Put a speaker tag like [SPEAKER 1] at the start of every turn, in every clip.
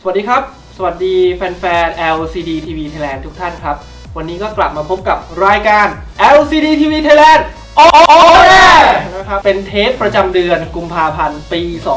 [SPEAKER 1] สวัสดีครับสวัสดีแฟนๆ LCD TV Thailand ทุกท่านครับวันนี้ก็กลับมาพบกับรายการ LCD TV Thailand On Air นะครับเป็นเทปประจำเดือนกุมภาพันธ์ปี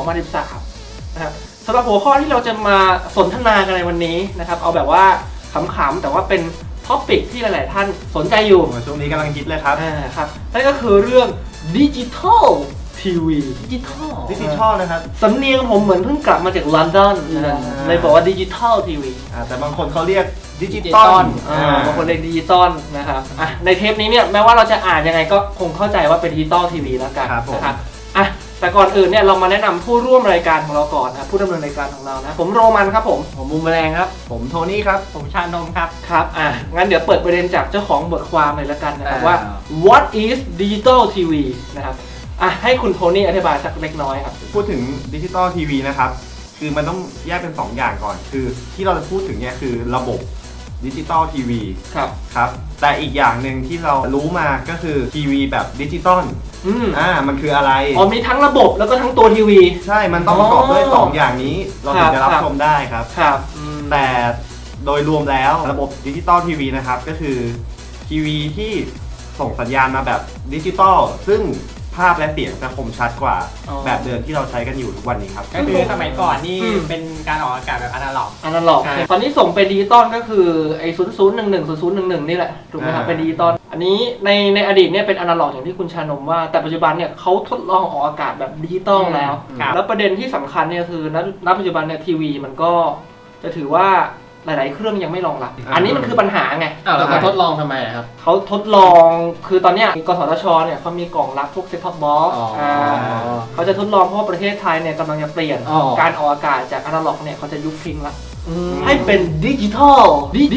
[SPEAKER 1] 2013 นะครับสำหรับหัวข้อที่เราจะมาสนทนากันในวันนี้นะครับเอาแบบว่าขำๆแต่ว่าเป็นท็อปิกที่หลายๆท่านสนใจอยู่
[SPEAKER 2] ช่วงนี้กำลังฮิตเลยครับ
[SPEAKER 1] ครับนั่นก็คือเรื่องดิจิทัลทีวีดิจิทัล
[SPEAKER 2] นะครับ
[SPEAKER 1] สำเนียงผมเหมือนเพิ่งกลับมาจากลอนดอนเลยบอกว่าดิจิทัลทีวี
[SPEAKER 2] แต่บางคนเขาเรียกดิจิตอล
[SPEAKER 1] บางคนเรียกดิจิตอลนะครับในเทปนี้เนี่ยแม้ว่าเราจะอ่านยังไงก็คงเข้าใจว่าเป็นดิจิตอลทีวีแล้วกันนะครับแต่ก่อนอื่นเนี่ยเรามาแนะนำผู้ร่วมรายการของเราก่อนนะผู้ดำเนินรายการของเรานะผมโรมันครับผม
[SPEAKER 3] บูมแมลงครับ
[SPEAKER 2] ผมโทนี่ครับ
[SPEAKER 3] ผมชานมครับ
[SPEAKER 1] ครับงั้นเดี๋ยวเปิดประเด็นจากเจ้าของบทความเลยแล้วกันนะครับว่า What is Digital TV นะครับให้คุณโทนี่อธิบายสักเล็กน้อยครับ
[SPEAKER 2] พูดถึงดิจิตอลทีวีนะครับคือมันต้องแยกเป็น2อย่างก่อนคือที่เราจะพูดถึงเนี่ยคือระบบดิจิตอลทีวีครับแต่อีกอย่างหนึ่งที่เรารู้มาก็คือทีวีแบบดิจิตอลมันคืออะไร
[SPEAKER 1] มีทั้งระบบแล้วก็ทั้งตัวทีวี
[SPEAKER 2] ใช่มันต้องประกอบด้วย2อย่างนี้เราถึงจะรับชมได้ครับแต่โดยรวมแล้วระบบดิจิตอลทีวีนะครับก็คือทีวีที่ส่งสัญญาณมาแบบดิจิตอลซึ่งภาพและเสียงจะคมชัดกว่าแบบเดิมที่เราใช้กันอยู่ทุกวันนี้ครับ
[SPEAKER 3] ก็คือสมัยก่อนนี่เป็นการออกอากาศแบบอนาล็อก
[SPEAKER 1] ตอนนี้ส่งเป็นดิจิตอลก็คือไอ้00110011นี่แหละถูกไหมครับเป็นดิจิตอลอันนี้ในอดีตเนี่ยเป็นอนาล็อกอย่างที่คุณชานมว่าแต่ปัจจุบันเนี่ยเขาทดลองออกอากาศแบบดิจิตอลแล้วแล้วประเด็นที่สำคัญเนี่ยคือณปัจจุบันเนี่ยทีวีมันก็จะถือว่าหลายๆเครื่องยังไม่รองรับอันนี้มันคือปัญหาไง
[SPEAKER 3] แล้วเขาทดลองทำไมครับ
[SPEAKER 1] เขาทดลองคือตอนนี้กสทชเนี่ยเขามีกล่องรับพวกเซ็ตท็อปบ็อกซ์เขาจะทดลองเพราะว่าประเทศไทยเนี่ยกำลังจะเปลี่ยนการออกอากาศจากอนาล็อกเนี่ยเขาจะยุบทิ้งละให้เป็นดิจิทัล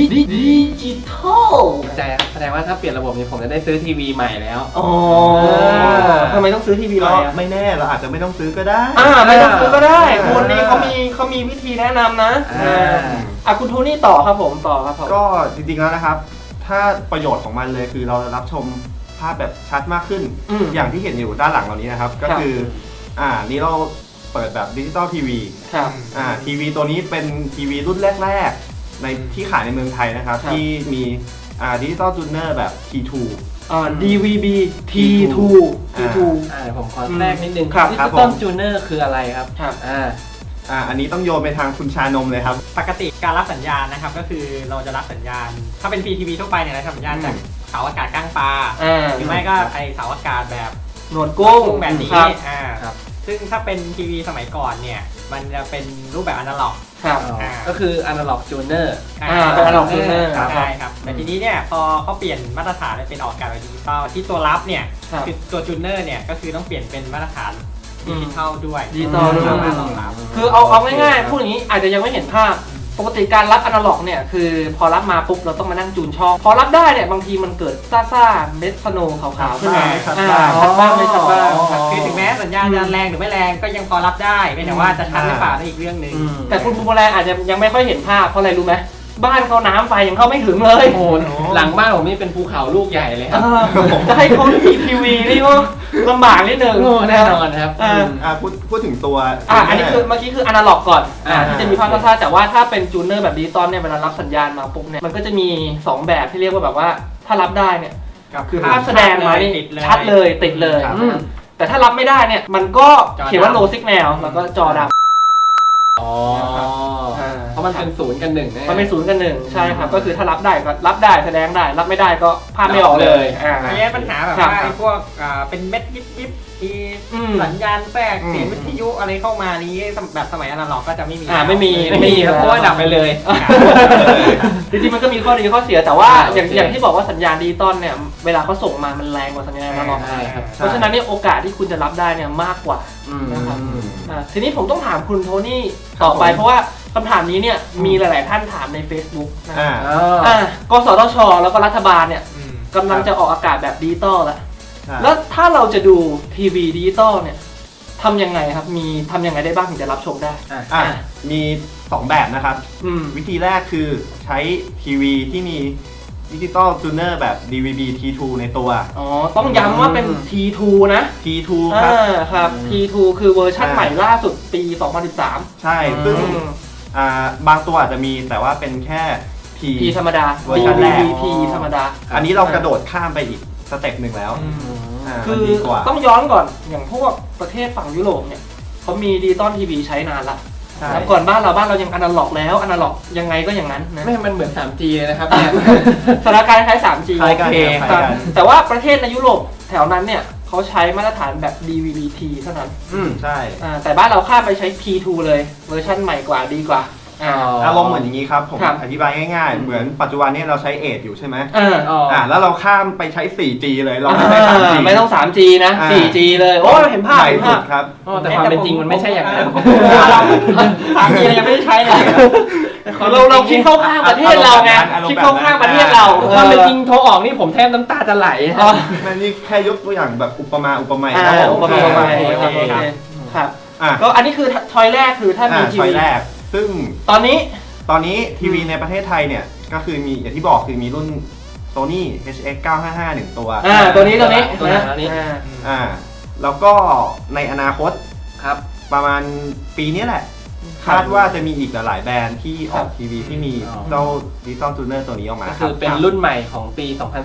[SPEAKER 3] แสดงว่าถ้าเปลี่ยนระบบนี้ผมจะได้ซื้อทีวีใหม่แล้ว
[SPEAKER 1] ทำไมต้องซื้อทีวีใหม่
[SPEAKER 2] ไม่แน่เราอาจจะไม่ต้องซื้อก็ได้
[SPEAKER 1] ไม่ต้องซื้อก็ได้คนนี้เขามีวิธีแนะนำนะคุณโทนี่ต่อครับผม
[SPEAKER 2] ก็จริงๆแล้วนะครับถ้าประโยชน์ของมันเลยคือเรารับชมภาพแบบชัดมากขึ้นอย่างที่เห็นอยู่ด้านหลังเรานี้นะครับก็คือนี่เราเปิดแบบดิจิตอลทีวีทีวีตัวนี้เป็นทีวีรุ่นแรกๆในที่ขายในเมืองไทยนะครับที่มีดิจิตอลจูเนอร์แบบ T2
[SPEAKER 1] DVB T2
[SPEAKER 3] ผมขอแทรกนิดนึงดิจิตอลจูเนอร์คืออะไรครับ
[SPEAKER 2] อันนี้ต้องโยนไปทางคุณชานมเลยครับ
[SPEAKER 3] ปกติการรับสัญญาณนะครับก็คือเราจะรับสัญญาณถ้าเป็น PTV ทั่วไปเนี่ยรับสัญญาณจากเสาอากาศก้างปลาหรือไม่ก็ไอเสาอากาศแบบ
[SPEAKER 1] หนวดกุ้ง
[SPEAKER 3] แบบนี้ซึ่งถ้าเป็นทีวีสมัยก่อนเนี่ยมันจะเป็นรูปแบบอนาล็อก
[SPEAKER 1] ก็คืออนาล็อกจูเนอร์
[SPEAKER 3] เป็นอนาล็อกจูเนอร์ใช่ครับแต่ทีนี้เนี่ยพอเขาเปลี่ยนมาตรฐานเป็นออกอากาศแบบดิจิตอลที่ตัวรับเนี่ยคือตัวจูเนอร์เนี่ยก็คือต้องเปลี่ยนเป็นมาตรฐานดิจิทัลด้วย
[SPEAKER 1] คือเอาง่ายๆพูดอย่างนี้อาจจะยังไม่เห็นภาพปกติการรับอนาล็อกเนี่ยคือพอรับมาปุ๊บเราต้องมานั่งจูนช่องพอรับได้เนี่ยบางทีมันเกิดซ่าเม็ดสโนว์ขาวๆขึ้นมาชัดบ้างไม่ชัดบ้าง
[SPEAKER 3] คือถึงแม้สัญญาณจะแรงหรือไม่แรงก็ยังพอรับได้ไม่แต่ว่าจะชัดหรือเปล่านั่นอีกเรื่องหนึ่ง
[SPEAKER 1] แต่คุณภูมิแรงอาจจะยังไม่ค่อยเห็นภาพเพราะอะไรรู้ไหมบ้านเขาน้ำไฟยังเข้าไม่ถึงเลย
[SPEAKER 3] โอ้โหหลังบ้านผมนี่เป็นภูเขาลูกใหญ่เลยครับ
[SPEAKER 1] จะให้เขามีทีวีนี่ก็ลำบากนิดนึง
[SPEAKER 3] แน่นอนครับ
[SPEAKER 2] พูดถึงตัว
[SPEAKER 1] อันนี้คือเมื่อกี้คืออนาล็อกก่อนที่จะมีภาพซ่าแต่ว่าถ้าเป็นจูเนอร์แบบดิจิตอลเนี่ยเวลารับสัญญาณมาปุ๊บเนี่ยมันก็จะมี2แบบที่เรียกว่าแบบว่าถ้ารับได้เนี่ยคือภาพแสดงมานี่ชัดเลยติดเลยแต่ถ้ารับไม่ได้เนี่ยมันก็เขียนว่า low signal แล้วก็จอดำ
[SPEAKER 3] เพราะมันเป็น0 กับ 1
[SPEAKER 1] มันเป็น0 กับ 1ใช่ครับก็คือถ้ารับได้ก็รับได้แสดงได้รับไม่ได้ก็ภาพไม่ออกเลย
[SPEAKER 3] อันนี้ปัญหาแบบว่าไอ้พวกเป็นเม็ดยิบสัญญาณแทรกเสียงวิทยุอะไรเข้ามานี้แบบสมัยอนาล็อกก็จะไม่มี
[SPEAKER 1] ไม่มี
[SPEAKER 3] เพราะว่าดับไปเลย
[SPEAKER 1] จริงๆมันก็มีข้อดีข้อเสียแต่ว่าอย่างที่บอกว่าสัญญาณดิจิตอลเนี่ยเวลาเขาส่งมามันแรงกว่าสัญญาณอนาล็อกเพราะฉะนั้นเนี่ยโอกาสที่คุณจะรับได้เนี่ยมากกว่านะครับทีนี้ผมต้องถามคุณโทนี่ต่อไปเพราะว่าคำถามนี้เนี่ยมีหลายๆท่านถามใน Facebook นะกสทชแล้วก็รัฐบาลเนี่ยกำลังจะออกอากาศแบบดิจิตอลแล้วถ้าเราจะดูทีวีดิจิตอลเนี่ยทำยังไงครับทำยังไงได้บ้างถึงจะรับชมได้
[SPEAKER 2] มี2แบบนะครับวิธีแรกคือใช้ทีวีที่มีดิจิตอลจูเนอร์แบบ DVB T2 ในตัว
[SPEAKER 1] ต้องย้ำว่าเป็น T2 นะ
[SPEAKER 2] T2
[SPEAKER 1] ครับ T2 คือเวอร์ชันใหม่ล่าสุดปี 2013
[SPEAKER 2] ใช่ซึ่งบางตัวอาจจะมีแต่ว่าเป็นแค่
[SPEAKER 1] P ธรรมดา
[SPEAKER 2] เวอร์ชันแรก
[SPEAKER 1] P ธรรมดา
[SPEAKER 2] อันนี้เรากระโดดข้ามไปอีกสเต็ปหนึ่งแล้ว
[SPEAKER 1] คื
[SPEAKER 2] มัน
[SPEAKER 1] อ
[SPEAKER 2] ดีกว่า
[SPEAKER 1] ต้องย้อนก่อนอย่างพวกประเทศฝั่งยุโรปเนี่ยเขามีดิจิตอลทีวีใช้นานละ
[SPEAKER 2] ใช่
[SPEAKER 1] แล้วก่อนบ้านเรายังอนาล็อกแล้วอนาล็อกยังไงก็อย่างนั้นนะ
[SPEAKER 4] ไม่มันเหมือน 3G เลยนะครับเนี่ย
[SPEAKER 1] สถานการณ์คล้าย 3G
[SPEAKER 2] คล้ายกัน
[SPEAKER 4] โอเค
[SPEAKER 2] คล้าย
[SPEAKER 1] ครับ
[SPEAKER 2] กัน
[SPEAKER 1] แต่ว่าประเทศในยุโรปแถวนั้นเนี่ยเขาใช้มาตรฐานแบบ DVB-T เท่านั้น
[SPEAKER 2] ใช่
[SPEAKER 1] แต่บ้านเราข้ามไปใช้ P2 เลยเวอร์ชันใหม่กว่าดีกว่า
[SPEAKER 2] อารมณ์เหมือนอย่างนี้ครับผม
[SPEAKER 1] ครับ
[SPEAKER 2] อธิบายง่ายๆ เหมือนปัจจุบันนี้เราใช้เอทอยู่ใช่ไหม
[SPEAKER 4] อ๋อ
[SPEAKER 2] แล้วเราข้ามไปใช้ 4G เลยเราไม่ใช้ 3G
[SPEAKER 1] ไม่ต้อง 3G นะ 4G เลยโอ้เห็นภาพ
[SPEAKER 2] ใหม่
[SPEAKER 1] เห็น
[SPEAKER 2] สุ
[SPEAKER 1] ภาพ
[SPEAKER 2] ดครับ
[SPEAKER 4] แต่ความเป็นจริงมันไม่ใช่อย่างนั้น
[SPEAKER 1] 3G เรายังไม่ได้ใช้เลยเราคิดเข้าข้างประเทศเราไง
[SPEAKER 2] อารมณ์แบบนั้น
[SPEAKER 1] คิดเข้าข้างประเทศเรา
[SPEAKER 4] ความเป็นจริงโทรออกนี่ผมแทบน้ำตาจะไหล
[SPEAKER 2] นั่นนี่แค่ยกตัวอย่างแบบอุปมาอุปไมย
[SPEAKER 1] อ่า
[SPEAKER 2] ครับผม
[SPEAKER 1] อุปมา
[SPEAKER 2] โอเค
[SPEAKER 1] ครับ
[SPEAKER 2] อ่ะ
[SPEAKER 1] ก็อันนี้คือชอยแรกคือถ้ามีที
[SPEAKER 2] ช้อย
[SPEAKER 1] วี
[SPEAKER 2] แรก ซึ่ง
[SPEAKER 1] ตอนนี้
[SPEAKER 2] ตอนนี้ทีวีในประเทศไทยเนี่ย ก็คือมีอย่างที่บอกคือมีรุ่น Sony HX 955 1 ตัว
[SPEAKER 1] ตัวนี้
[SPEAKER 4] ตัวนี้
[SPEAKER 2] แล้วก็ในอนาคต
[SPEAKER 4] ครับ
[SPEAKER 2] ประมาณปีนี้แหละ คาดว่าจะมีอีกหลายๆแบรนด์ที่ออกทีวีที่มีเจ้าดิจิตอลจูเนอร์ตัวนี้ออกมา
[SPEAKER 4] ก็
[SPEAKER 2] ครั
[SPEAKER 4] คื
[SPEAKER 2] บ
[SPEAKER 4] อเป็นรุ่นใหม่ของปี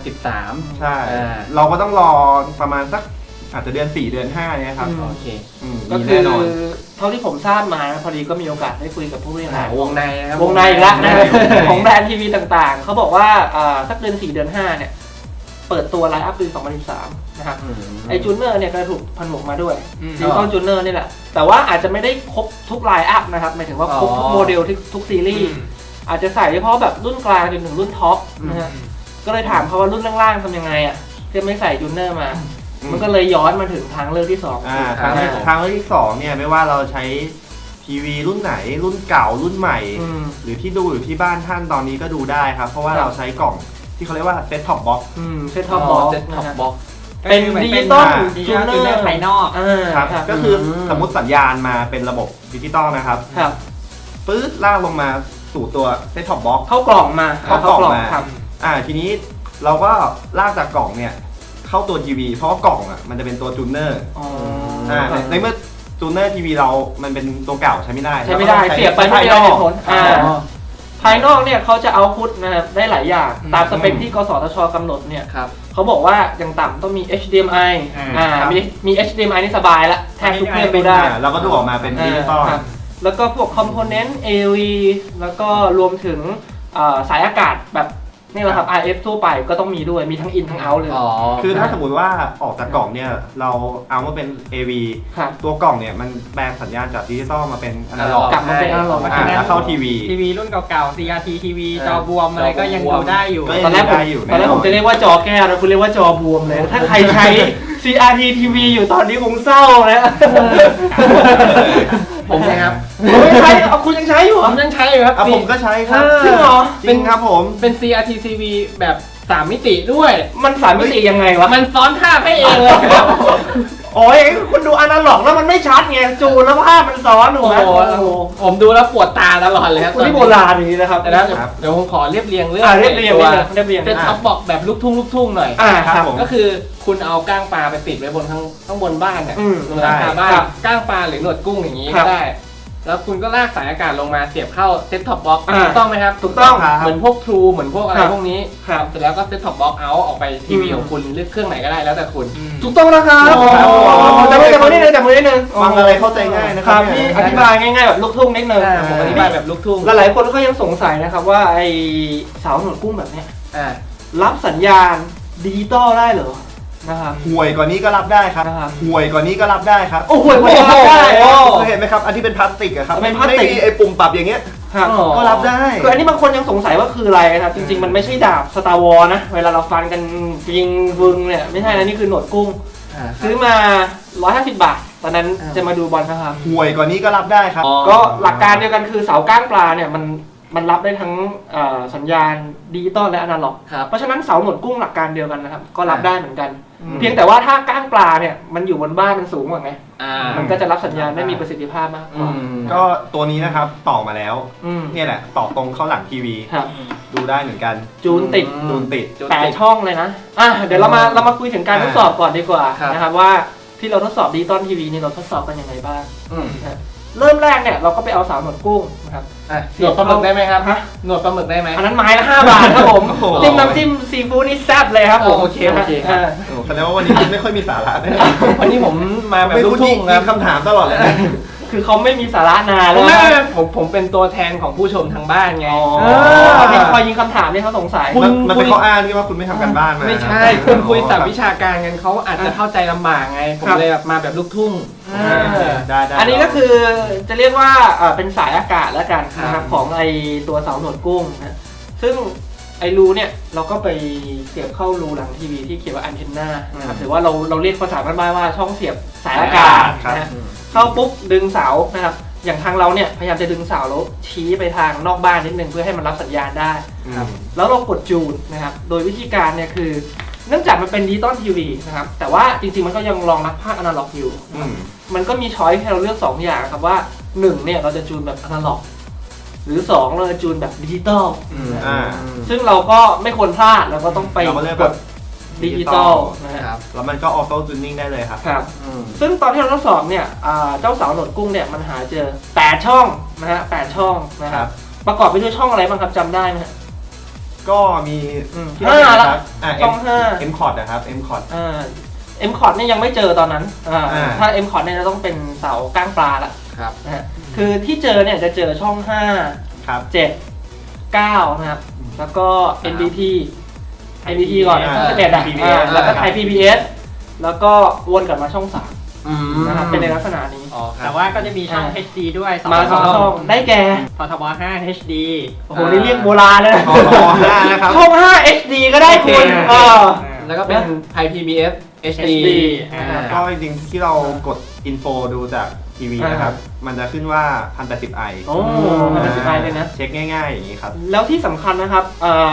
[SPEAKER 4] 2013
[SPEAKER 2] ใช่
[SPEAKER 4] อ่า
[SPEAKER 2] เราก็ต้องรอประมาณสักอาจจะเดือน 4 เดือน 5 เนี่ยครับ
[SPEAKER 4] โอเค
[SPEAKER 1] ก็
[SPEAKER 2] มี
[SPEAKER 1] คื
[SPEAKER 2] แน่
[SPEAKER 1] อน
[SPEAKER 2] อน
[SPEAKER 1] เท่าที่ผมทราบมานะพอดีก็มีโอกาสได้คุยกับผู้บริหาร
[SPEAKER 4] วงในนะครับ
[SPEAKER 1] วงในอีกแล้วนะ
[SPEAKER 4] วงใน
[SPEAKER 1] ของแบรนด์ทีวีต่างๆ เขาบอกว่าสักเดือน 4 เดือน 5 เนี่ย เปิดตัวไลน์อัพปี 2013 นะครับ ไอจูเนอร์เนี่ยก็ถูกผนวกมาด้วยดิจิตอลจูเนอร์นี่แหละ แต่ว่าอาจจะไม่ได้ครบทุกไลน์อัพนะครับ หมายถึงว่าครบทุกโมเดลทุกซีรีส์ อาจจะใส่เฉพาะแบบรุ่นกลางจนถึงรุ่นท็อปนะฮะ ก็เลยถามเขาว่ารุ่นล่างๆทำยังไงอ่ะที่ไม่ใส่จูเนอร์มา มันก็เลยย้อนมาถึงทางเลือกที่2
[SPEAKER 2] ทางเลือกที่2เนี่ยไม่ว่าเราใช้ทีวีรุ่นไหนรุ่นเก่ารุ่นใหม่ หรือที่ดูอยู่ที่บ้านท่านตอนนี้ก็ดูได้ครับ เพราะว่าเราใช้กล่องที่เขาเรียกว่าเซ็ตท็อปบ็อกซ์
[SPEAKER 1] เซ็ตท็อปบ็อกซ์
[SPEAKER 4] เซ็ตท็อปบ็อก
[SPEAKER 1] เป็นดิจิตอล
[SPEAKER 3] จูเนอร์ภายนอก
[SPEAKER 2] ครับก็คือสมมติสัญญาณมาเป็นระบบดิจิตอลนะครับ
[SPEAKER 1] ครับ
[SPEAKER 2] ปื๊ดลากลงมาสู่ตัวเซ็ตท็อปบ็อกซ์
[SPEAKER 1] เข้ากล่องมา
[SPEAKER 2] เข้ากล่องมา
[SPEAKER 1] ครับ
[SPEAKER 2] ทีนี้เราก็ลากจากกล่องเนี่ยเข้าตัวทีวีเพราะว่ากล่องอ่ะมันจะเป็นตัวจูเนอร์ในเมื่อจูเนอร์ทีวีเรามันเป็นตัวเก่าใช้ไม่ได้
[SPEAKER 1] ใช้ไม่ได้เสียบไปไม่ได้เหตุผลภายนอกเนี่ยเขาจะเอาพุทนะครับได้หลายอย่างตามสเปคที่กสทชกำหนดเนี่ย
[SPEAKER 4] ครับ
[SPEAKER 1] เขาบอกว่าอย่างต่ำต้องมี HDMI มี HDMI นี่สบายละแทบทุกเครื่องดูได้
[SPEAKER 2] เราก็ดูออกมาเป็นดิจิตอล
[SPEAKER 1] แล้วก็พวกคอมโพเนนต์ AV แล้วก็รวมถึงสายอากาศแบบนี่แหละครับ RF ทั่วไปก็ต้องมีด้วยมีทั้ง in ทั้ง out เลย
[SPEAKER 2] คือถ้าสมมติว่าออกจากกล่องเนี่ยเราเอามาเป็น AV ตัวกล่องเนี่ยมันแปลงสัญญาณจากดิจิตอลมาเป็นอนาล็อก
[SPEAKER 1] กลับมาเป็นอนาล็อก
[SPEAKER 2] แล้วเข้าทีวี
[SPEAKER 3] ทีวีรุ่นเก่าๆ CRT ทีวีจอบวมอะไรก็ยังดูได้อยู่
[SPEAKER 1] ตอนแรกผมจะเรียกว่าจอแก้วนะคุณเรียกว่าจอบวมเลย ถ้าใครใช้ CRT TV อยู่ตอนนี้คงเศร้านะ
[SPEAKER 4] ผมนะครับ
[SPEAKER 1] ไม่ใช้เอาคุณยังใช้อยู่เหร
[SPEAKER 4] ผ
[SPEAKER 1] อ
[SPEAKER 4] มยังใช้อยู่ครับ
[SPEAKER 2] ผมก็ใช้ครับ
[SPEAKER 1] จริงเหรอ
[SPEAKER 2] จริงครับผม
[SPEAKER 4] เป็น CRT TV แบบ3มิติด้วย
[SPEAKER 1] มันสามมิติยังไงวะ
[SPEAKER 4] มันซ้อนภาพให้เองเลย
[SPEAKER 1] โอ้ยคุณดูอนาล็อกแล้วมันไม่ชัดไงจูนแล้วภาพมันซ้อนถูกไหม
[SPEAKER 4] โอ้โหผมดูแล้วปวดตาตลอดเลยครับ
[SPEAKER 1] คุณที่โบราณนี้นะครับ
[SPEAKER 4] แต่แล้วเดี๋ยวผมขอเรียบเรียงเรื่อง
[SPEAKER 1] เรียบเรียง
[SPEAKER 4] ตัว
[SPEAKER 1] เรียบเรียง
[SPEAKER 4] เซ็ตท็อปบอกแบบลูกทุ่งหน่อย
[SPEAKER 2] ครับผม
[SPEAKER 4] ก็คือคุณเอาก้างปลาไปติดไว้บนข้างบนบ้านเนี่ยบนหลังคาบ้าน
[SPEAKER 1] ครับ
[SPEAKER 4] ก้างปลาหรือหนวดกุ้งอย่างนี้
[SPEAKER 1] ครั
[SPEAKER 4] ก็
[SPEAKER 1] บ
[SPEAKER 4] ได้ แล้วคุณก็ลากสายอากาศลงมาเสียบเข้าเซ็ตท็อปบ็อก
[SPEAKER 1] อ่า
[SPEAKER 4] ถูกต้องไหมครับ
[SPEAKER 1] ถูกต้อง
[SPEAKER 4] เหมือนพวก True เหมือนพวกอะไร
[SPEAKER 1] ครับ
[SPEAKER 4] พวกนี้
[SPEAKER 1] ครับ
[SPEAKER 4] เสร็จแล้วก็เซ็ตท็อปบ็อกเอาออกไปทีวี
[SPEAKER 1] อืม
[SPEAKER 4] ของคุณเลือกเครื่องไหนก็ได้แล้วแต่คุณ
[SPEAKER 1] ถูกต้องนะครับ
[SPEAKER 2] ครับผม
[SPEAKER 1] จับมือนิดนึงจับมือนิดนึง
[SPEAKER 2] ฟังอะไรเข้าใจง่ายนะ
[SPEAKER 1] ค
[SPEAKER 2] ครั
[SPEAKER 1] รั
[SPEAKER 2] บบ
[SPEAKER 1] พี่อธิบายง่ายๆแบบลูกทุ่งนิดนึง
[SPEAKER 4] ผมอธิบายแบบลูกทุ่ง
[SPEAKER 1] หลายๆคนก็ยังสงสัยนะครับว่าไอเสาหนวดกุ้งแบบเนี้ย
[SPEAKER 4] อ่า
[SPEAKER 1] รับสัญญาณดิจิตอลได้เหรอนะครับ
[SPEAKER 2] ห่วยกว่านี้ก็รับได้ครับ
[SPEAKER 1] นะครับ
[SPEAKER 2] ห่วยกว่านี้ก็รับได้ครับ
[SPEAKER 1] โอ้โหไม่รับได้
[SPEAKER 2] เคยเห็นไหมครับอันที่เป็นพลาสติกอะครับ
[SPEAKER 1] เป็นพลาสติก
[SPEAKER 2] ไม่มีไอ้ปุ่มปรับอย่างเงี้ย
[SPEAKER 1] ครับ
[SPEAKER 4] อ๋อ
[SPEAKER 2] ก็รับได้
[SPEAKER 1] คืออันนี้บางคนยังสงสัยว่าคืออะไรนะครับ จริง ๆ มันไม่ใช่ดาบสตาร์วอลนะ เวลาเราฟันกันยิงวึงเนี่ยไม่ใช่นะนี่คือหนวดกุ้ง ซื้อมา 150 บาท ตอนนั้นจะมาดูบอลนะครับ
[SPEAKER 2] ห่วยกว่านี้ก็รับได้ครับ
[SPEAKER 1] ก็หลักการเดียวกันคือเสาก้างปลาเนี่ยมันรับได้ทั้งสัญญาณดิจิตอลและอนาล็อก
[SPEAKER 4] ครับ
[SPEAKER 1] เพราะฉะนั้นเสาหนวดกุ้งหลักการเดียวกันนะครับก็รับได้เหมือนกัน เพียงแต่ว่าถ้าก้างปลาเนี่ยมันอยู่บนบ้านมันสูงกว่าไง มันก็จะรับสัญญาณได้มีประสิทธิภาพมากกว่า
[SPEAKER 2] ก็ตัวนี้นะครับต่อมาแล้ว
[SPEAKER 1] อืม
[SPEAKER 2] เนี่ยแหละต่อตรงเข้าหลังทีวี
[SPEAKER 1] ครับ
[SPEAKER 2] ดูได้เหมือนกัน
[SPEAKER 1] จูนติด
[SPEAKER 2] ดูติด
[SPEAKER 1] 8 ช่องเลยนะเดี๋ยวเรามาคุยถึงการทดสอบก่อนดีกว่า
[SPEAKER 4] ครับ
[SPEAKER 1] นะครับว่าที่เราทดสอบดิจิตอลทีวีนี่เราทดสอบกันยังไงบ้าง
[SPEAKER 4] อืม
[SPEAKER 1] นะเริ่มแรกเนี่ยเราก็ไปเอาสาวหนวดกุ้งนะครับ
[SPEAKER 4] หนวดปลาหมึกได้ไหมครับหนวดปลาหมึกได้ไหม
[SPEAKER 1] อันนั้นไม้ละ5 บาทครับผมจิ้มน้ำจิ้มซีฟู้ดนี่แซ่บเลยครับผม
[SPEAKER 4] โอเคครับ
[SPEAKER 2] แสดงว่าวันนี้คุณไม่ค่อยมีสาระนะ
[SPEAKER 4] วันนี้ผมมาแบบ
[SPEAKER 2] ไม่
[SPEAKER 4] ลู
[SPEAKER 2] พู
[SPEAKER 4] ก
[SPEAKER 2] ด
[SPEAKER 4] ทุ่ง
[SPEAKER 2] มี
[SPEAKER 4] ครับ
[SPEAKER 2] คำถามตลอดเลยนะ
[SPEAKER 1] คือเขาไม่มีสาระนานแล้ว
[SPEAKER 4] ไม่ผมเป็นตัวแทนของผู้ชมทางบ้านไง
[SPEAKER 1] มีคอยยิงคำถามที่เขาสงสัย
[SPEAKER 2] มันเป็นข้ออ้างที่ว่าคุณไม่ทำกันบ้านมา
[SPEAKER 4] ไม่ใช่คุณคุยศัพท์วิชาการกันเขาอาจจะเข้าใจลำบากไงผมเลยแบบมาแบบลูกทุ่ง
[SPEAKER 2] ได้
[SPEAKER 1] อันนี้ก็คือจะเรียกว่าเป็นสายอากาศแล้วกันนะครับของไอตัวเสาหนวดกุ้งนะซึ่งไอรูเนี่ยเราก็ไปเสียบเข้ารูหลังทีวีที่เขียนว่าอันเทนนานะครับหรือว่าเราเรียกภาษาบ้านๆว่าช่องเสียบสายอากาศนะเข้าปุ๊บดึงเสานะครับอย่างทางเราเนี่ยพยายามจะดึงเสาแล้วชี้ไปทางนอกบ้านนิดนึงเพื่อให้มันรับสัญญาณได้แล้วเรากดจูนนะครับโดยวิธีการเนี่ยคือเนื่องจากมันเป็นดิจิตอลทีวีนะครับแต่ว่าจริงๆมันก็ยังรองรับภาคอนาล็อกอยู่มันก็มีช้อยให้เราเลือก2อย่างครับว่า1เนี่ยเราจะจูนแบบอนาล็อกหรือ2เราจะจูนแบบดิจิตอลซึ่งเราก็ไม่ควรพลาดเราก็ต้องไปกดดิจิตอลนะครับ
[SPEAKER 2] แล้วมันก็ออโต้จูนนิ่งได้เลยครับ
[SPEAKER 1] ครับซึ่งตอนที่เราทดสอบเนี่ยเจ้าเสาหนวดกุ้งเนี่ยมันหาเจอ8ช่องนะฮะ8ช่องนะครับประกอบไปด้วยช่องอะไรบ้างครับจำได้ไหม
[SPEAKER 2] ก็มี
[SPEAKER 1] 5ละช่อง
[SPEAKER 2] 5 M Cot นะครับ M Cot
[SPEAKER 1] M Cot เนี่ยยังไม่เจอตอนนั้นถ้า M Cot เนี่ยจะต้องเป็นเสาก้างปลาละนะฮะคือที่เจอเนี่ยจะเจอช่อง5 7 9นะครับแล้วก็ NBT ก่อนช่อง11แล้วก็ไทย PBS แล้วก็วนกลับมาช่อง3นะครับเป็นในลักษณะนี้
[SPEAKER 3] แต่ว่าก็จะมีช่อง HD ด้วย
[SPEAKER 1] มา2 ช่องได้แก่
[SPEAKER 3] ททบ5 HD
[SPEAKER 1] โอ้โหนี่เรียกโบราณเลยนะ
[SPEAKER 2] นะครับ
[SPEAKER 1] ช่อง5 HD ก็ได้คุณ
[SPEAKER 4] แล้วก็เป็นไทย PBS HD
[SPEAKER 2] ก็จริงๆที่เรากดอินโฟดูจากทีวีนะครับมันจะขึ้นว่า 1080i
[SPEAKER 1] โอ้ 1080i เลยนะ
[SPEAKER 2] เช็คง่ายๆอย่างนี้ครับ
[SPEAKER 1] แล้วที่สำคัญนะครับ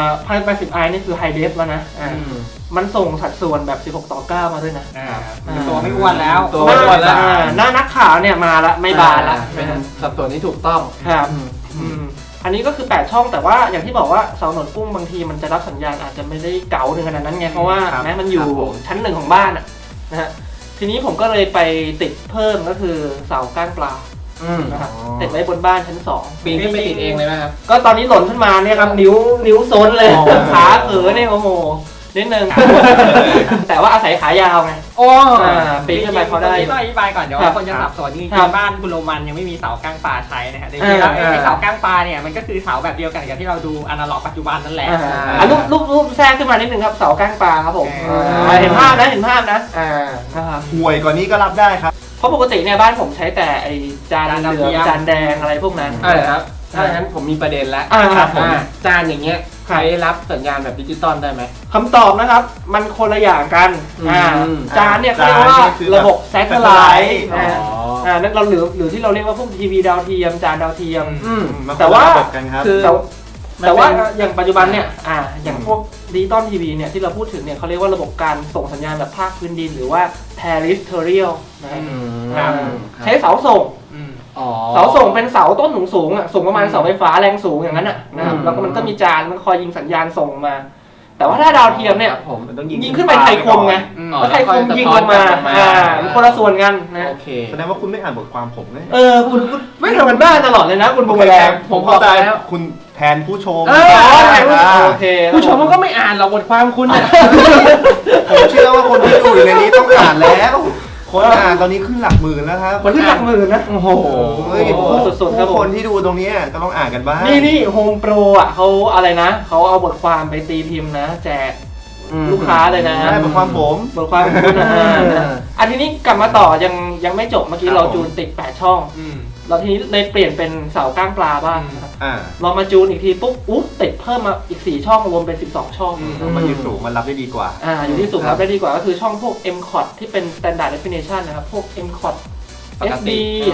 [SPEAKER 1] 1080i นี่คือไฮเดฟแล้วนะมันส่งสัดส่วนแบบ16:9มาด้วยนะ
[SPEAKER 3] ตัวไม่อ้วนแล้ว
[SPEAKER 4] ตัวไม่อ้วนแล้ว
[SPEAKER 1] หน้านักข่าวเนี่ยมาละไม่บานละ
[SPEAKER 4] เป็นสัดส่วนที่ถูกต้อง
[SPEAKER 1] ครับอันนี้ก็คือ8ช่องแต่ว่าอย่างที่บอกว่าเสาหนวดกุ้งบางทีมันจะรับสัญญาณอาจจะไม่ได้เก๋าถึงขนาดนั้นไงเพราะว่าแม้มันอยู่ชั้น1ของบ้านนะฮะทีนี้ผมก็เลยไปติดเพิ่มก็คือเสาก้างปลานะครับติดไว้บนบ้านชั้น2
[SPEAKER 4] ปีนขึ้นไปติดเองเลยไหมครับ
[SPEAKER 1] ก็ตอนนี้หล่นขึ้นมาเนี่ยครับนิ้วโซนเลยขาเขือเนี่ยโอ้โหนิดนึงแต่ว่าอาศัยขายาวไงปีนขึ้นไปพอได้
[SPEAKER 3] ต้องอธิบายก่อนเดี๋ยวคนจะสับสนจริงๆบ้านคุณโรมันยังไม่มีเสาก้างปลาใช้นะฮะจริงๆแล้วไอ้เสาก้างปลาเนี่ยมันก็คือเสาแบบเดียวกันกับที่เราดูอนาล็อกปัจจุบันนั่นแหละ
[SPEAKER 1] รูปแทรกขึ้นมานิดนึงครับเสาก้างปลาครับผมเห็นภาพนะ
[SPEAKER 2] ห่วยกว่านี้ก็รับได้ครับ
[SPEAKER 1] เพราะปกติเนี่ยบ้านผมใช้แต่ไอ้จานเหลืองจานแดงอะไรพวกนั้น
[SPEAKER 4] ครับถ้าอย่างนั้นผมมีประเด็นแล้วจานอย่างเงี้ยใช้รับสัญญาณแบบดิจิตอลได้ไหม
[SPEAKER 1] คำตอบนะครับมันคนละอย่างกันจานเนี่ยเขาเรียกว่าระบบแซทเทอร์ไลท์นั่นเราหรือที่เราเรียกว่าพวกทีวีดาวเทียมจานดาวเทียมแต่ว่าคือแต่ว่าอย่างปัจจุบันเนี่ยอย่างพวกดิจิตอลทีวีเนี่ยที่เราพูดถึงเนี่ยเขาเรียกว่าระบบการส่งสัญญาณแบบภาคพื้นดินหรือว่า terrestrial นะครับใช้เสาส่งเสาส่งเป็นเสาต้นสูงสูงประมาณเสาไฟฟ้าแรงสูงอย่างนั้นนะครับแล้วก็มันก็มีจานมันคอยยิงสัญญาณส่งมาแต่ว่าถ้าดาวเทียมเนี่ยยิงขึ้นไปไทยคมไงแล้วไทยคมยิงลงมามันคนละส่วนกันนะ
[SPEAKER 2] แสดงว่าคุณไม่อ่านบทความผมเลย
[SPEAKER 1] คุณไม่ทำกันบ้านตลอดเลยนะคุณบุญแรง
[SPEAKER 2] ผมเข้าใจคุณแทนผู้ชม
[SPEAKER 1] โอเค
[SPEAKER 4] ผู้ชมมันก็ไม่อ่านหรอกบทความคุณเนี่ย
[SPEAKER 2] ผมเชื่อว่าคนที่ดูอยู่ในนี้ต้องอ่านแล้วคนอ่านตอนนี้ขึ้นหลักหมื่นแล้วครับ
[SPEAKER 1] คนขึ้นหลักหมื่นนะโอ้โห
[SPEAKER 2] สุดๆครับคนที่ดูตรงนี้ก็ต้องอ่านกันบ้าง
[SPEAKER 1] นี่โฮมโปรเขาอะไรนะเขาเอาบทความไปตีพิมพ์นะแจกลูกค้าเลยนะ
[SPEAKER 2] บทความผม
[SPEAKER 1] บทความคุณอันนี้กลับมาต่อยังไม่จบเมื่อกี้เราจูนติด8ช่องเราทีนี้เลยเปลี่ยนเป็นเสาก้างปลาบ้างเรามาจูนอีกทีปุ๊บติดเพิ่มมาอีก4ช่องรวมเป็น12ช่อง
[SPEAKER 2] มันอยู่สูงมันรับได้ดีกว่า
[SPEAKER 1] อยู่ที่สูงรับได้ดีกว่าก็คือช่องพวก M Cot ที่เป็น Standard Definition นะครับพวก M Cot SD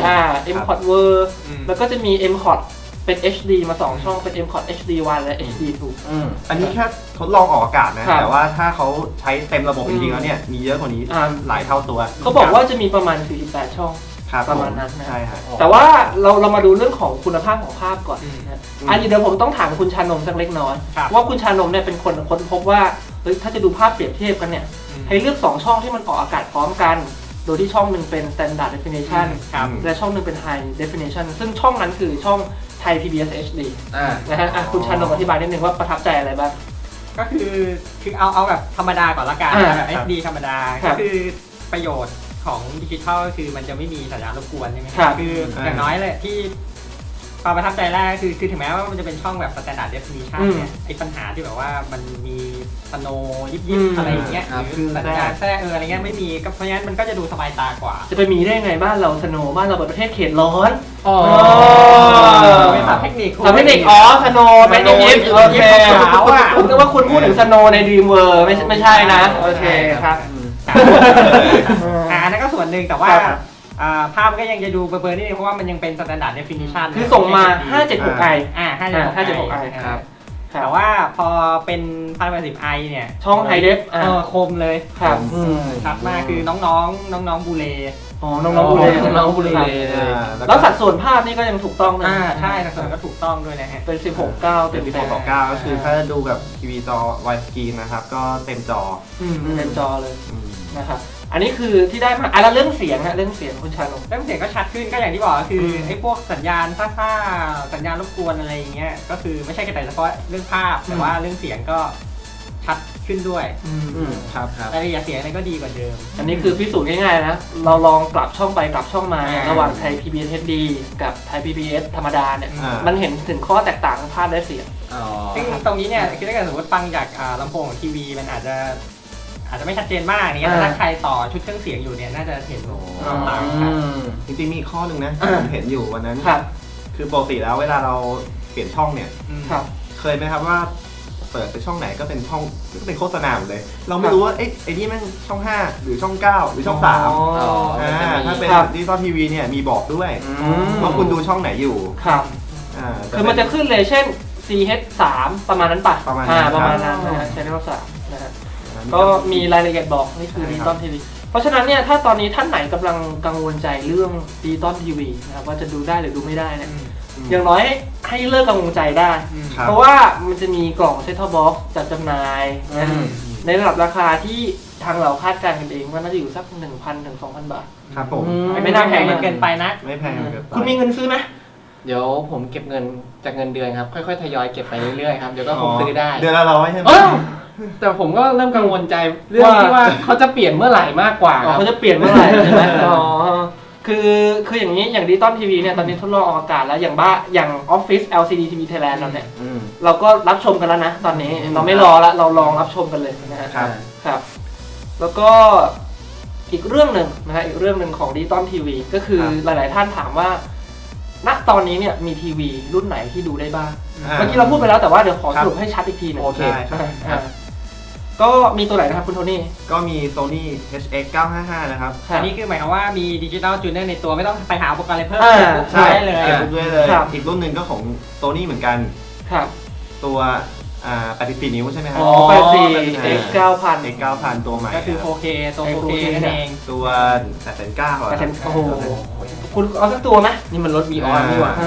[SPEAKER 1] M Cot Ver แล้วก็จะมี M Cot เป็น HD มา2ช่องเป็น M Cot HD1 และ HD2
[SPEAKER 2] อันนี้แค่ทดลองออกอากาศนะแต่ว่าถ้าเขาใช้เต็มระบบจริงๆแล้วเนี่ยมีเยอะกว่านี้หลายเท่าตัว
[SPEAKER 1] เขาบอกว่าจะมีประมาณ48ช่องประมาณนั้น
[SPEAKER 2] ใช่ครับ
[SPEAKER 1] แต่ว่าเรามาดูเรื่องของคุณภาพของภาพก่อนอันนี้เดี๋ยวผมต้องถามคุณชานมสักเล็กน้อยว่าคุณชานมเนี่ยเป็นคนค้นพบว่าถ้าจะดูภาพเปรียบเทียบกันเนี่ยให้เลือก2ช่องที่มันออกอากาศพร้อมกันโดยที่ช่องหนึ่งเป็น standard definition และช่องหนึ่งเป็น high definition ซึ่งช่องนั้นคือช่องไทย PBS HD นะฮะคุณชานนท์อธิบายนิดนึงว่าประทับใจอะไรบ้าง
[SPEAKER 3] ก็คือเอาแบบธรรมดาก่อนละกันแบบ HD ธรรมดาก็คือประโยชน์ของดิจิทัลคือมันจะไม่มีสัญญาณรบกวนใช่ไหมคืออย่างน้อยเลยที่ความประทับใจแรกคือถึงแม้ว่ามันจะเป็นช่องแบบ standard definition เนี่ยไอ้ปัญหาที่แบบว่ามันมีสโนยิบอะไรอย่างเงี้ยหรือสัญญาณแทรกอะไรเงี้ยไม่มีก็เพราะงั้นมันก็จะดูสบายตากว่า
[SPEAKER 1] จะไปมีได้ไงบ้านเราสโนบ้านเราเป็นประเทศเขตร้อน
[SPEAKER 3] เป็นศัพท์เทคนิค
[SPEAKER 1] สโนเป็นยิบโอเคผมนึกว่าคุณพูดถึงสโนใน Dream World ไม่ใช่นะโอเคครับ
[SPEAKER 3] อันนั้นก็ส่วนหนึ่งแต่ว่าภาพก็ยังจะดูเบลอๆนิดนึงเพราะว่ามันยังเป็น standard definition
[SPEAKER 1] คือส่งมา 576i
[SPEAKER 3] 576i ครับแต่ว่าพอเป็น 1080i เนี่ย
[SPEAKER 1] ช่อง high def
[SPEAKER 3] คมเลย
[SPEAKER 1] ครับ
[SPEAKER 3] ชัดมากคือน้องบูเล
[SPEAKER 1] น้องบูเลแล้วสัดส่วนภาพนี่ก็ยังถูกต้องนะ
[SPEAKER 3] ใช่สัดส่วนก็ถูกต้องด้วยนะฮะ
[SPEAKER 1] เป็น 16:9
[SPEAKER 2] เป็น 16:9 ก็คือถ้าดูแบบทีวีจอ wide screen นะครับก็เต็มจอ
[SPEAKER 1] เต็มจอเลยนะครับอันนี้คือที่ได้มาแล้วเรื่องเสียงฮะเรื่องเสียงคุณชานนท์
[SPEAKER 3] เรื่องเสียงก็ชัดขึ้นก็อย่างที่บอกก็คือไอ้พวกสัญญาณซ่าสัญญาณรบกวนอะไรอย่างเงี้ยก็คือไม่ใช่แค่แต่เฉพาะเรื่องภาพแต่ว่าเรื่องเสียงก็ชัดขึ้นด้วย
[SPEAKER 1] ครับ
[SPEAKER 3] รายละเอียดเสียงอะไรก็ดีกว่าเดิม
[SPEAKER 1] อันนี้คือพิสูจน์ง่ายๆนะเราลองกลับช่องไปกลับช่องมาระหว่างไทย PBS HD กับไทย PBS ธรรมดาเนี่ยมันเห็นถึงข้อแตกต่างของภาพและเสียง
[SPEAKER 3] ซึ่งตรงนี้เนี่ยคือถ้าเกิดสมมติฟังจากลำโพงของทีวีมันอาจจะไม่ชัดเจนมากอย่างเงี้ยแต่ถ้าใครต่อชุดเครื่องเสียงอยู่เนี่ยน่าจะเห็นต่างกัน
[SPEAKER 2] จริงๆมีข้อหนึ่งนะผมเห็นอยู่วันนั้นคือปกติแล้วเวลาเราเปลี่ยนช่องเนี่ยเคยไหมครับว่าเปิดไปช่องไหนก็เป็นช่องก็เป็นโฆษณาหมดเลยเราไม่รู้ว่าไอ้นี่แม่งช่อง5หรือช่อง9หรือช่อง3ถ้าเป็นดิจิตอลทีวีเนี่ยมีบอกด้วยว่าคุณดูช่องไหนอยู่
[SPEAKER 1] ครับคือมันจะขึ้นเลยเช่น CH3 ประมาณนั้นป่ะประมาณนั้นนะฮะ Channel 3นะฮะก็มีรายละเอียดบอกนี่คือดิจิตอลทีวีเพราะฉะนั้นเนี่ยถ้าตอนนี้ท่านไหนกำลังกังวลใจเรื่องดิจิตอลทีวีนะครับว่าจะดูได้หรือดูไม่ได้เนี่ยอย่างน้อยให้เลิกกังวลใจได้เพราะว่ามันจะมีกล่องเซ็ตท็อปบ็อกซ์จัดจำหน่ายในระดับราคาที่ทางเราคาดการณ์กันเองว่าน่าจะอยู่สัก 1,000 ถึง 2,000 บาท
[SPEAKER 2] ครับผม
[SPEAKER 3] ไม่น่าแพงเกินไปนะ
[SPEAKER 2] ไม่แพงเกินไป
[SPEAKER 1] คุณมีเงินซื้อไหม
[SPEAKER 4] เดี๋ยวผมเก็บเงินจากเงินเดือนครับค่อยๆทยอยเก็บไปเรื่อยๆครับเดี๋ยวก็คงซื้อได้
[SPEAKER 2] เดือนละ100ใช่ไหม
[SPEAKER 4] แต่ผมก็เริ่มกังวลใจเรื่องที่ว่าเขาจะเปลี่ยนเมื่อไหร่มากกว่า
[SPEAKER 1] เขาจะเปลี่ยนเมื่อไหร่ใช่ไหมคืออย่างนี้อย่างดิจิตอลทีวีเนี่ยตอนนี้ทดลองออกอากาศแล้วอย่างออฟฟิศ LCD TV Thailand เราเนี่ยเราก็รับชมกันแล้วนะตอนนี้เราไม่รอละเราลองรับชมกันเลยนะครับแล้วก็อีกเรื่องหนึ่งนะฮะอีกเรื่องหนึ่งของดิจิตอลทีวีก็คือหลายๆท่านถามว่าณตอนนี้เนี่ยมีทีวีรุ่นไหนที่ดูได้บ้างเมื่อกี้เราพูดไปแล้วแต่ว่าเดี๋ยวขอสรุปให้ชัดอีกทีนึง
[SPEAKER 2] โอเค
[SPEAKER 1] ก็มีตัวไหนนะครับคุณโทนี่
[SPEAKER 2] ก็มี Sony HX 955นะครับ
[SPEAKER 3] อันนี้คือหมายความว่ามีดิจิตอลจูเนอร์ในตัวไม่ต้องไปหาอุปกรณ์อะไรเพิ่มได้เลย
[SPEAKER 2] อีกรุ่นหนึ่งก็ของ Sony เหมือนกันตัว84 นิ้วใช่ไหมครับ
[SPEAKER 1] 84 X 9,000
[SPEAKER 2] X 9,000ตัวใหม่
[SPEAKER 3] ก็คือ 4K ตัว 4K นั่นเอง
[SPEAKER 2] ตัว8,900
[SPEAKER 1] โอ้โหคุณเอาสักตัวไหม
[SPEAKER 4] นี่มันรถมีออนนี่หว่า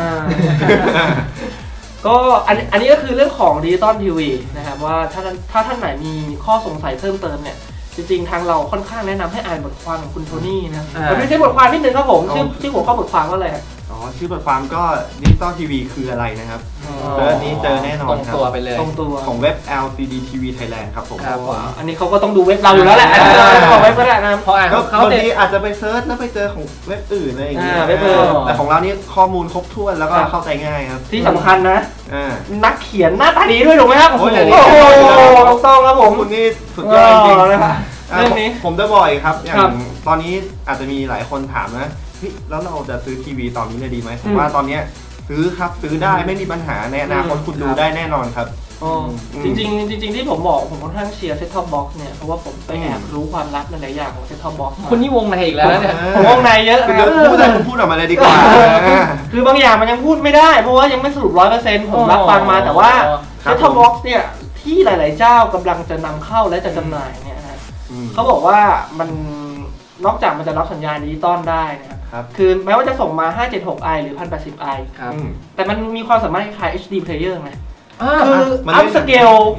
[SPEAKER 1] ก็อันนี้ก็คือเรื่องของดิจิตอลทีวีนะครับว่าถ้าท่านไหนมีข้อสงสัยเพิ่มเติมเนี่ยจริงๆทางเราค่อนข้างแนะนำให้อ่านบทความของคุณโทนี่นะมันไม่ใช่บทความนิดนึงครับผมชื่อหัวข้อบทความว่าอะไร
[SPEAKER 2] ชื่อบทความก็ดิจิตอลทีวีคืออะไรนะครับเจอนี้เจอแน่นอนครับ
[SPEAKER 4] ตรงตัวไปเลย
[SPEAKER 1] ตรงตัว
[SPEAKER 2] ของเว็บ LCD TV Thailand ครับผม
[SPEAKER 1] อันนี้เขาก็ต้องดูเว็บเราอยู่แล้วแหละของเว็บก็ได้นะ
[SPEAKER 2] เพราะบางทีอาจจะไปเซิร์ชแล้วไปเจอของเว็บอื่นอะไรอย่างเงี้ยแต่ของเรานี่ข้อมูลครบถ้วนแล้วก็เข้าใจง่ายครับ
[SPEAKER 1] ที่สำคัญนะนักเขียนหน้าตาดีด้วยถูกไหมครับโอ้โหต้องครับผม
[SPEAKER 2] คุณนี่สุดยอดจริงนะครับเรื่องนี้ผมจะบอกอีกครับอย่างตอนนี้อาจจะมีหลายคนถามนะแล้วเราจะซื้อทีวีตอนนี้เลยดีไหมผมว่าตอนนี้ซื้อครับซื้อได้ไม่มีปัญหาในอนาคตคุณดูได้แน่นอนครับ
[SPEAKER 1] จริงที่ผมบอกผมค่อนข้างเชียร์เซ็ตท็อปบ็อกซ์เนี่ยเพราะว่าผมไปแอบรู้ความลับหลายอย่างของเซ็ตท็อปบ็อกซ์
[SPEAKER 4] คุณนี่วงในอีกแล้วเนี่ย
[SPEAKER 1] ผมวงในเยอะ
[SPEAKER 2] คุณพูดออกมาเลยดีกว่า
[SPEAKER 1] คือบางอย่างมันยังพูดไม่ได้เพราะว่ายังไม่สรุป 100% ผมรับฟังมาแต่ว่าเซ็ตท็อปบ็อกซ์เนี่ยที่หลายๆเจ้ากำลังจะนำเข้าและจะจำหน่ายเนี่ยเขาบอกว่ามันนอกจากมันจะรับสัญญาณดิจิตอลได้นะครับคือแม้ว่าจะส่งมา 576i หรือ 1080i แต่มันมีความสามารถคล้าย HD player ไงคืออัพสเกล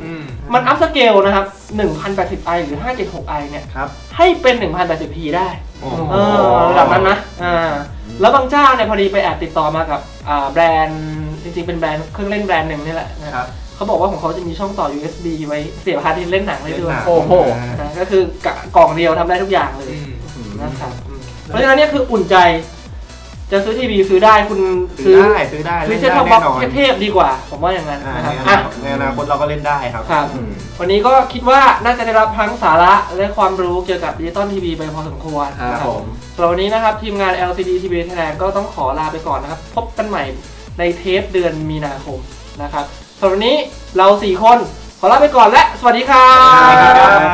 [SPEAKER 1] มันอัพสเกลนะครับ 1080i หรือ 576i เนี่ย
[SPEAKER 2] ครับ
[SPEAKER 1] ให้เป็น 1080p ได้
[SPEAKER 2] โอ้
[SPEAKER 1] ระดับนั้นนะแล้วบางเจ้าเนี่ยพอดีไปแอบติดต่อมากับแบรนด์จริงๆเป็นแบรนด์เครื่องเล่นแบรนด์หนึ่งนี่แหละนะครับเขาบอกว่าของเขาจะมีช่องต่อ USB ไว้เสียบฮาร์ดดิสก์เล่นหนังได้ด้วย
[SPEAKER 4] โอ้โห
[SPEAKER 1] ก็คือกล่องเดียวทำได้ทุกอย่างเลยนะครับเพราะฉะนั้นเนี่ยคืออุ่นใจจะซื้อทีวีซื้อได้คุณ
[SPEAKER 2] ซื้อได้
[SPEAKER 1] ซื้อ
[SPEAKER 2] เล่น
[SPEAKER 1] เซ็ต
[SPEAKER 2] ได้
[SPEAKER 1] ท็อปบ็
[SPEAKER 2] แน่
[SPEAKER 1] อก
[SPEAKER 2] นอน
[SPEAKER 1] เทพๆดีกว่า ผมว่าอย่างนั้น
[SPEAKER 2] อ่า
[SPEAKER 1] นะครับ
[SPEAKER 2] ในอนาคตเราก็เล่นได้ครับ
[SPEAKER 1] ครับ วันนี้ก็คิดว่าน่าจะได้รับทั้งสาระและความรู้เกี่ยวกับดิจิตอลทีวีไปพอสมควร
[SPEAKER 2] ครับผม
[SPEAKER 1] สำหรับวันนี้นะครับทีมงาน LCD TV Thailand ก็ต้องขอลาไปก่อนนะครับ พบกันใหม่ในเทปเดือนมีนาคมนะครับสำหรับวันนี้เรา 4 คนขอลาไปก่อนและสวัสดีครับ
[SPEAKER 2] สวัสดีครับ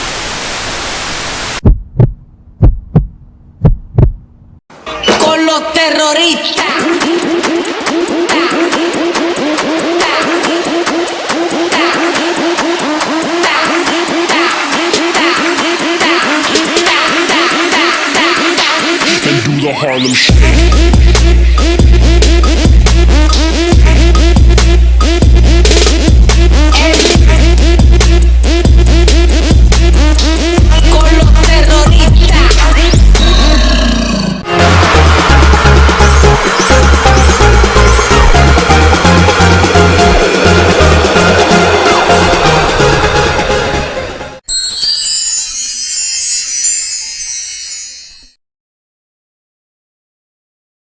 [SPEAKER 5] con los terroristas.
[SPEAKER 6] And do the Harlem Shake.